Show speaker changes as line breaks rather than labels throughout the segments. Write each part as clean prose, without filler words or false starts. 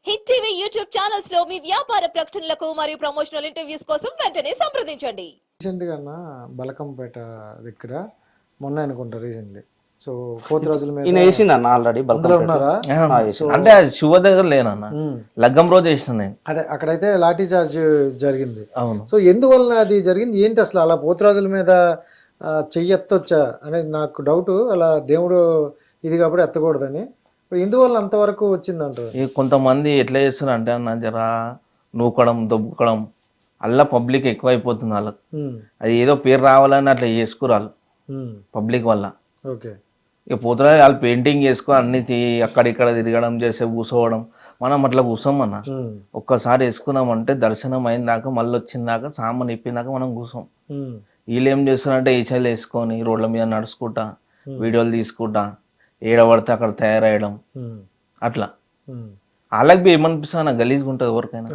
Hit TV YouTube channels లో మీ వ్యాపార ప్రకటనలకు మరియు ప్రమోషనల్ ఇంటర్వ్యూస్ కోసం వెంటనే సంప్రదించండి.
రీసెంట్గా బలకంపేట దగ్గర మొన్న అనుకుంటా రీసెంట్లీ. సో 4 రోజుల మీద
ఈయన వేసిందన్న ఆల్రెడీ
అందులో ఉన్నారా?
అంటే అది శుభ దగ్గర లేనన్న, లగ్గం రోజు వేసిన నేను.
అదే అక్కడైతే లాఠీ చార్జ్ జరిగింది.
అవును.
సో ఎందువలన అది జరిగింది ఏంటి అసలు? అలా పోతురాజుల మీద చెయ్యి ఎత్తొచ్చా అనేది నాకు డౌట్. అలా దేవుడు ఇది కాబట్టి ఎత్తకూడదని ఎందువల్ల అంతవరకు వచ్చిందంటారు?
కొంతమంది ఎట్లా చేస్తున్నారు అంటే అన్న, జరా నూకడం దొబ్బుకడం అలా పబ్లిక్ ఎక్కువైపోతుంది వాళ్ళకి. అది ఏదో పేరు రావాలని అట్లా చేసుకురాళ్ళు పబ్లిక్ వల్ల.
ఓకే.
ఇక పోతురా వాళ్ళు పెయింటింగ్ చేసుకొని అన్ని అక్కడిక్కడ తిరగడం చేసే కూర్చోవడం. మనం అట్లా కూర్చోమన్న, ఒక్కసారి వేసుకున్నామంటే దర్శనం అయినాక మళ్ళీ వచ్చిందాక సామాన్ ఇప్పిందాక మనం కూర్చోం. వీళ్ళు ఏం చేస్తున్నారంటే ఈచలు వేసుకొని రోడ్ల మీద నడుచుకుంటా వీడియోలు తీసుకుంటా ఏడబడితే అక్కడ తయారయ్యడం అట్లా. వాళ్ళకి బి ఏమనిపిస్తా గలీజ్గా ఉంటుంది ఎవరికైనా.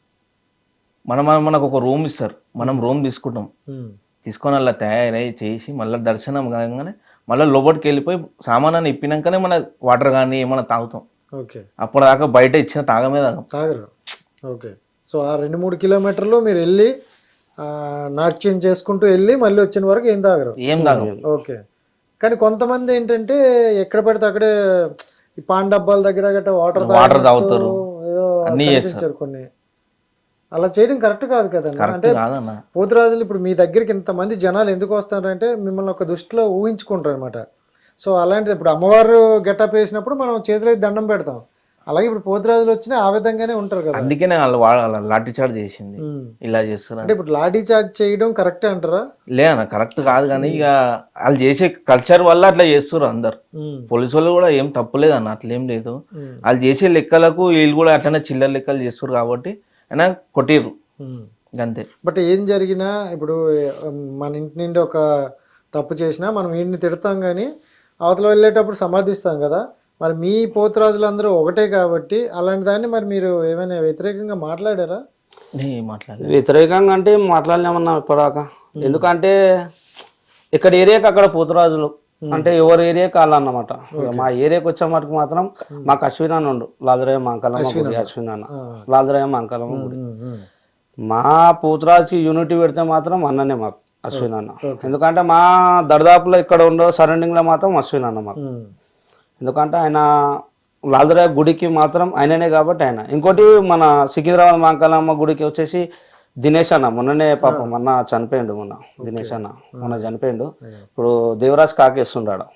మనకు ఒక రూమ్ ఇస్తారు, మనం రూమ్ తీసుకుంటాం, తీసుకొని అలా తయారై చేసి మళ్ళీ దర్శనం కాగానే మళ్ళీ లోపలికి వెళ్ళిపోయి సామానాన్ని ఇప్పినాకనే మన వాటర్ కానీ ఏమైనా తాగుతాం.
ఓకే.
అప్పటిదాకా బయట ఇచ్చిన తాగమే
తాగరు. ఓకే. సో ఆ 2-3 కిలోమీటర్లు మీరు వెళ్ళి నాట్యం చేసుకుంటూ వెళ్ళి మళ్ళీ వచ్చిన వరకు ఏం తాగరు?
ఏం తాగం.
ఓకే. కానీ కొంతమంది ఏంటంటే ఎక్కడ పడితే అక్కడే ఈ పాన్ డబ్బాల దగ్గర గట్రా వాటర్
తాగుతారు,
ఏదో
అన్ని చేస్తారు.
కొన్ని అలా చేయడం కరెక్ట్ కాదు కదండి. అంటే పోతురాజులు ఇప్పుడు మీ దగ్గరికి ఇంతమంది జనాలు ఎందుకు వస్తారంటే మిమ్మల్ని ఒక దృష్టిలో ఊహించుకుంటారు అనమాట. సో అలాంటిది ఇప్పుడు అమ్మవారు గెటప్ వేసినప్పుడు మనం చేతిలో దండం పెడతాం. అలాగే ఇప్పుడు పోతురాజులు వచ్చినా ఆ విధంగానే ఉంటారు కదా.
అందుకే వాళ్ళు లాఠీ చార్జ్ చేసింది ఇలా చేస్తున్నారు.
అంటే ఇప్పుడు లాఠీ చార్జ్ చేయడం కరెక్టే అంటారా?
లేదన్న, కరెక్ట్ కాదు. కానీ ఇక వాళ్ళు చేసే కల్చర్ వల్ల అట్లా చేస్తారు అందరు. పోలీసు వాళ్ళు కూడా ఏం తప్పులేదు అన్న, అట్లేం లేదు. వాళ్ళు చేసే లెక్కలకు వీళ్ళు కూడా అట్లనే చిల్లర లెక్కలు చేస్తారు కాబట్టి అయినా కొట్టిర్రు అంతే.
బట్ ఏం జరిగినా ఇప్పుడు మన ఇంటి నుండి ఒక తప్పు చేసినా మనం వీడిని తిడతాం కానీ అవతల వెళ్ళేటప్పుడు సమర్థిస్తాం కదా. మరి మీ పోతురాజులు అందరూ ఒకటే కాబట్టి అలాంటి దాన్ని మరి మీరు ఏమైనా వ్యతిరేకంగా మాట్లాడారా?
వ్యతిరేకంగా అంటే మాట్లాడలేమన్నా ఇప్పటిదాకా. ఎందుకంటే ఇక్కడ ఏరియాకి అక్కడ పోతురాజులు అంటే ఎవరి ఏరియాకి వాళ్ళన్నమాట. మా ఏరియాకి వచ్చే మటుకు మాత్రం మాకు అశ్విన్ అన్న ఉండు, లాదరయ్య మంకలమ్మ గుడి. అశ్విన్ అన్న లాదరయ్య మంకలమ్మ గుడి. మా పోతురాజుకి యూనిటీ పెడితే మాత్రం అన్ననే మాకు అశ్విన్ అన్న. ఎందుకంటే మా దర్దాపులో ఇక్కడ ఉండే సరౌండింగ్ లో మాత్రం అశ్విన్ అన్న మాకు. ఎందుకంటే ఆయన లాదరయ్య గుడికి మాత్రం ఆయననే కాబట్టి ఆయన. ఇంకోటి మన సికింద్రాబాద్ మంకలమ్మ గుడికి వచ్చేసి దినేష్ అన్న మొన్ననే పాపం మొన్న చనిపోయిండు. మొన్న దినేష్ అన్న మొన్న చనిపోయిండు. ఇప్పుడు దేవరాజ్ కాకేస్తుండాడు.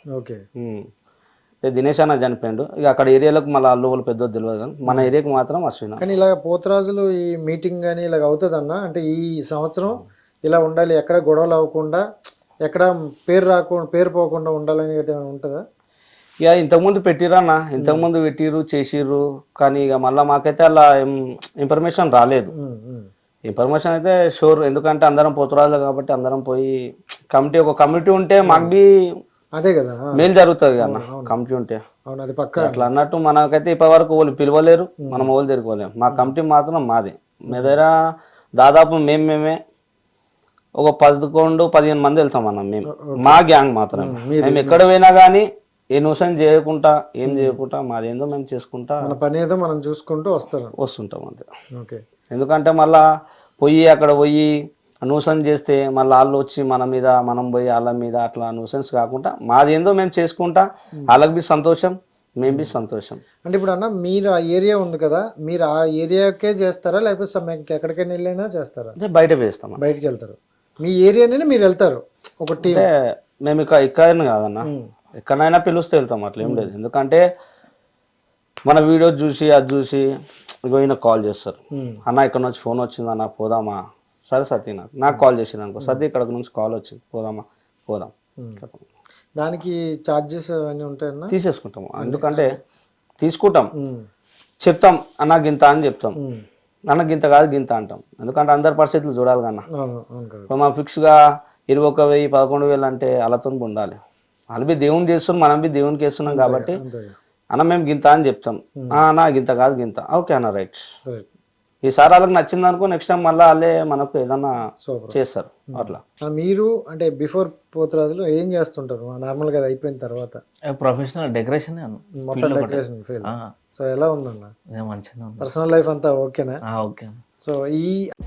దినేష్ అన్న చనిపోయిండు. ఇక అక్కడ ఏరియాలకు మళ్ళీ అల్లు వాళ్ళు పెద్ద తెలియదు కానీ మన ఏరియాకి మాత్రం అశ్విన్.
కానీ ఇలా పోతురాజులు ఈ మీటింగ్ కానీ ఇలాగ అవుతుంది అన్న. అంటే ఈ సంవత్సరం ఇలా ఉండాలి, ఎక్కడ గొడవలు అవ్వకుండా, ఎక్కడ పేరు పోకుండా ఉండాలని ఉంటుందా?
ఇక ఇంతకుముందు పెట్టిరన్న, ఇంతకుముందు పెట్టిర్రు చేసిర్రు. కానీ ఇక మళ్ళీ మాకైతే అలా ఇన్ఫర్మేషన్ రాలేదు. ఇన్ఫర్మేషన్ అయితే షూర్, ఎందుకంటే అందరం పోతురాజులు కాబట్టి అందరం పోయి ఒక కమిటీ ఉంటే మాకు బి
అదే కదా
మేలు జరుగుతుంది అన్న. కమిటీ ఉంటే అట్లా అన్నట్టు మనకైతే ఇప్పటి వరకు వాళ్ళు పిలవలేరు, మనం వాళ్ళు తిరగలేము. మా కమిటీ మాత్రం మాది. మీ దగ్గర దాదాపు మేమే ఒక 11-15 మంది వెళ్తాం అన్న. మేము మా గ్యాంగ్ మాత్రం. మేము ఎక్కడ పోయినా కానీ ఏ న్యూసెన్స్ చేయకుండా ఏం చేయకుండా మాదేందో మేము చేసుకుంటా
పని ఏదో మనం చూసుకుంటూ
వస్తుంటాం అంతే. ఓకే. ఎందుకంటే మళ్ళా అక్కడ పోయి న్యూసెన్స్ చేస్తే మళ్ళీ వాళ్ళు వచ్చి మన మీద, మనం పోయి వాళ్ళ మీద అట్లా న్యూసెన్స్ కాకుండా మాదేందో మేము చేసుకుంటా వాళ్ళకి బి సంతోషం, మేము బి సంతోషం.
అంటే ఇప్పుడు అన్న మీరు ఆ ఏరియా ఉంది కదా, మీరు ఆ ఏరియాకే చేస్తారా లేకపోతే ఎక్కడికైనా వెళ్ళైనా చేస్తారా?
అంటే బయట వేస్తాం,
బయటకు వెళ్తారు. మీ ఏరియానే మీరు వెళ్తారు ఒక టీం?
మేము ఇక్కడ కాదన్న, ఎక్కడైనా పిలుస్తే వెళ్తాం, అట్లా ఏం లేదు. ఎందుకంటే మన వీడియో చూసి అది చూసి ఈయన కాల్ చేస్తారు, అన్న ఇక్కడ నుంచి ఫోన్ వచ్చింది అన్న పోదామా? సరే సతీ నాకు కాల్ చేసింది అనుకో, సతీ ఇక్కడ నుంచి కాల్ వచ్చింది పోదాం.
దానికి ఛార్జెస్ అవన్నీ ఉంటాయన్నా?
తీసేసుకుంటాము. ఎందుకంటే తీసుకుంటాం, చెప్తాం అన్న గింత అని చెప్తాం, అన్న గింత కాదు గింత అంటాం. ఎందుకంటే అందరి పరిస్థితులు చూడాలి కన్నా. ఇప్పుడు మనం ఫిక్స్గా 21,000 11,000 అంటే వాళ్ళతో ఉండాలి. వాళ్ళు బి దేవుని చేస్తున్నాం, మనం బి దేవునికి వేస్తున్నాం కాబట్టి అన్న మేము గింత అని చెప్తాం. అన్న గింత కాదు గింత. ఓకే అన్న రైట్ ఈసారి వాళ్ళకి నచ్చింది అనుకో నెక్స్ట్ టైం మళ్ళీ వాళ్ళే మనకు ఏదన్నా
సూపర్.
చేస్తారు అట్లా.
మీరు అంటే బిఫోర్ పోతురాజులు ఏం చేస్తుంటారు నార్మల్ గా అది అయిపోయిన తర్వాత?
ప్రొఫెషనల్ డెకరేషన్
మొత్తం డెకరేషన్ ఫీల్డ్. సో ఎలా ఉందన్న
మంచిగా ఉంది.
పర్సనల్ లైఫ్ అంతా ఓకేనా?
ఓకే.
సో ఈ